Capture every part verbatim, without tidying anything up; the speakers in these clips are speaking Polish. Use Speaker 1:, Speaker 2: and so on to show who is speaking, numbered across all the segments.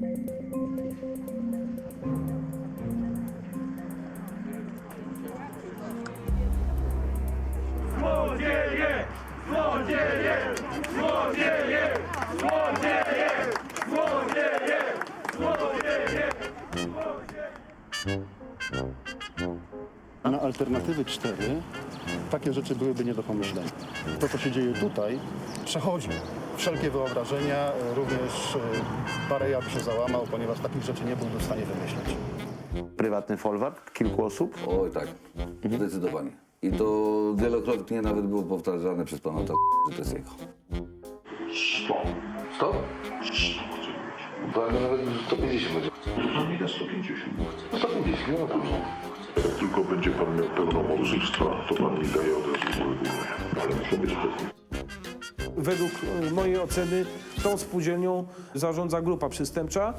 Speaker 1: Złodzieje! Złodzieje! Złodzieje! Złodzieje! Złodzieje! Złodzieje!
Speaker 2: Na alternatywy cztery takie rzeczy byłyby nie do pomyślenia. To, co się dzieje tutaj, przechodzi wszelkie wyobrażenia, również e, Bareja by się załamał, ponieważ takich rzeczy nie byłby w stanie wymyślić.
Speaker 3: Prywatny folwark kilku osób?
Speaker 4: Oj tak, zdecydowanie. I to wielokrotnie nawet było powtarzane przez pana ta, że to jest jego.
Speaker 5: sto.
Speaker 4: sto? To nawet sto pięćdziesiąt będzie.
Speaker 5: Pan mi da sto pięćdziesiąt.
Speaker 4: sto pięćdziesiąt, nie ma problemu.
Speaker 5: Jak tylko będzie pan miał pełnomocnictwa, to pan mi daje od razu ureguluję. Ale muszę być pewny.
Speaker 6: Według mojej oceny tą spółdzielnią zarządza grupa przestępcza,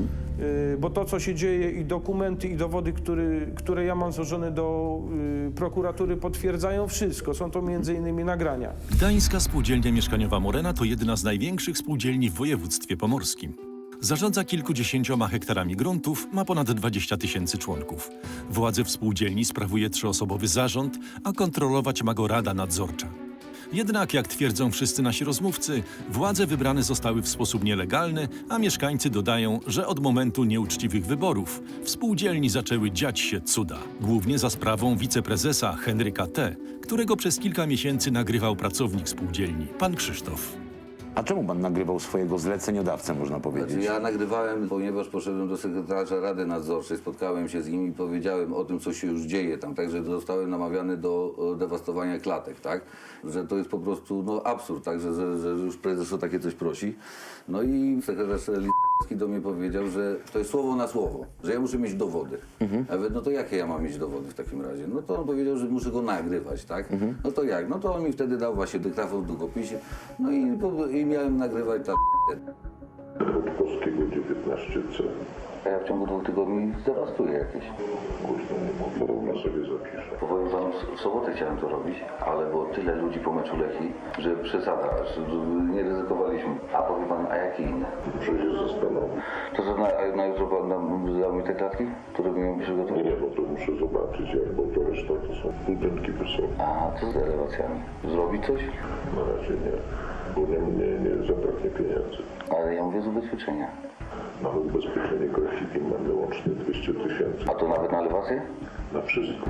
Speaker 6: y, bo to, co się dzieje i dokumenty, i dowody, który, które ja mam złożone do y, prokuratury, potwierdzają wszystko. Są to między innymi nagrania.
Speaker 7: Gdańska Spółdzielnia Mieszkaniowa Morena to jedna z największych spółdzielni w województwie pomorskim. Zarządza kilkudziesięcioma hektarami gruntów, ma ponad dwadzieścia tysięcy członków. Władzę w spółdzielni sprawuje trzyosobowy zarząd, a kontrolować ma go Rada Nadzorcza. Jednak, jak twierdzą wszyscy nasi rozmówcy, władze wybrane zostały w sposób nielegalny, a mieszkańcy dodają, że od momentu nieuczciwych wyborów w spółdzielni zaczęły dziać się cuda. Głównie za sprawą wiceprezesa Henryka T., którego przez kilka miesięcy nagrywał pracownik spółdzielni, pan Krzysztof.
Speaker 3: A czemu pan nagrywał swojego zleceniodawcę, można powiedzieć?
Speaker 4: Znaczy, ja nagrywałem, ponieważ poszedłem do sekretarza Rady Nadzorczej, spotkałem się z nim i powiedziałem o tym, co się już dzieje tam, także zostałem namawiany do e, dewastowania klatek, tak? Że to jest po prostu no, absurd, tak? Że, że, że już prezes o takie coś prosi. No i sekretarz Licki do mnie powiedział, że to jest słowo na słowo, że ja muszę mieć dowody. Mhm. Ja mówię, no to jakie ja mam mieć dowody w takim razie? No to on powiedział, że muszę go nagrywać, tak? Mhm. No to jak? No to on mi wtedy dał właśnie dyktafon w długopisie, no i, i miałem nagrywać ta
Speaker 5: Rutkowskiego dziewiętnaście C.
Speaker 4: A ja w ciągu dwóch tygodni zdewastuję jakieś.
Speaker 5: Kurczę, nie mogę, równo sobie zapiszę.
Speaker 4: Powiem wam, w sobotę chciałem to robić, ale było tyle ludzi po meczu Lechii, że przesada, że nie ryzykowaliśmy. A powie pan, a jakie inne?
Speaker 5: Muszę się zastanowić.
Speaker 4: To co, na, a na jutro pan nam dał mi te klatki, które miałem przygotować?
Speaker 5: Nie, no to muszę zobaczyć, jak, bo to reszta to są budynki wysokie.
Speaker 4: A, co z elewacjami? Zrobić coś?
Speaker 5: Na razie nie, bo nie, nie, nie zabraknie pieniędzy.
Speaker 4: Ale ja mówię z ubezpieczenia.
Speaker 5: Nawet ubezpieczenie grafiki mamy łącznie dwieście tysięcy.
Speaker 4: A to nawet na elewację?
Speaker 5: Na wszystko.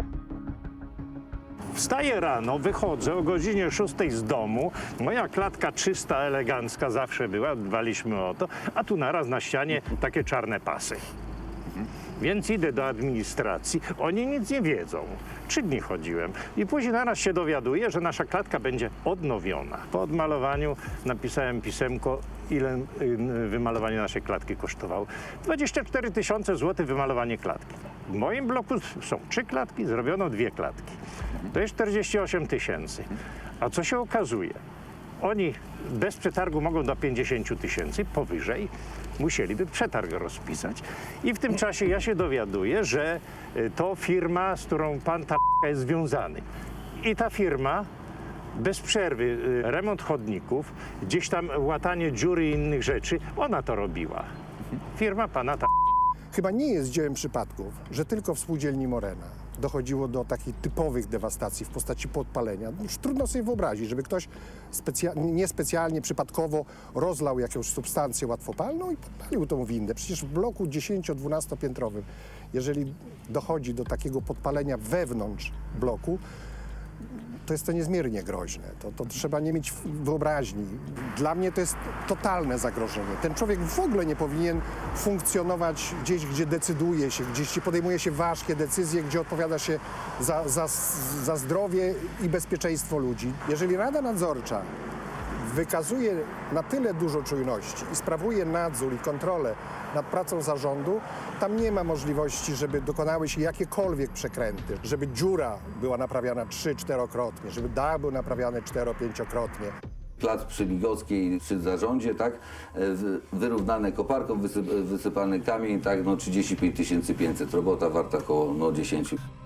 Speaker 8: Wstaję rano, wychodzę o godzinie szóstej z domu. Moja klatka czysta, elegancka zawsze była, dbaliśmy o to, a tu naraz na ścianie takie czarne pasy. Więc idę do administracji, oni nic nie wiedzą. Trzy dni chodziłem i później naraz się dowiaduję, że nasza klatka będzie odnowiona. Po odmalowaniu napisałem pisemko, ile wymalowanie naszej klatki kosztowało. dwadzieścia cztery tysiące złotych wymalowanie klatki. W moim bloku są trzy klatki, zrobiono dwie klatki. To jest czterdzieści osiem tysięcy. A co się okazuje? Oni bez przetargu mogą do pięćdziesięciu tysięcy, powyżej musieliby przetarg rozpisać. I w tym czasie ja się dowiaduję, że to firma, z którą pan ta jest związany. I ta firma bez przerwy remont chodników, gdzieś tam łatanie dziury i innych rzeczy, ona to robiła. Firma pana ta.
Speaker 9: Chyba nie jest dziełem przypadków, że tylko w spółdzielni Morena dochodziło do takich typowych dewastacji w postaci podpalenia. Już trudno sobie wyobrazić, żeby ktoś specja niespecjalnie, przypadkowo rozlał jakąś substancję łatwopalną i podpalił tą windę. Przecież w bloku dziesięcio-dwunastopiętrowym, jeżeli dochodzi do takiego podpalenia wewnątrz bloku, to jest to niezmiernie groźne. To, to trzeba nie mieć wyobraźni. Dla mnie to jest totalne zagrożenie. Ten człowiek w ogóle nie powinien funkcjonować gdzieś, gdzie decyduje się, gdzieś podejmuje się ważkie decyzje, gdzie odpowiada się za, za, za zdrowie i bezpieczeństwo ludzi. Jeżeli Rada Nadzorcza wykazuje na tyle dużo czujności i sprawuje nadzór i kontrolę nad pracą zarządu, tam nie ma możliwości, żeby dokonały się jakiekolwiek przekręty, żeby dziura była naprawiana trzy, czterokrotnie, żeby dach był naprawiany cztero, pięciokrotnie.
Speaker 4: Plac przy Bigockiej, przy zarządzie, tak, wyrównane koparką, wysyp, wysypany kamień, tak, no trzydzieści pięć tysięcy pięćset, robota warta około no dziesięć.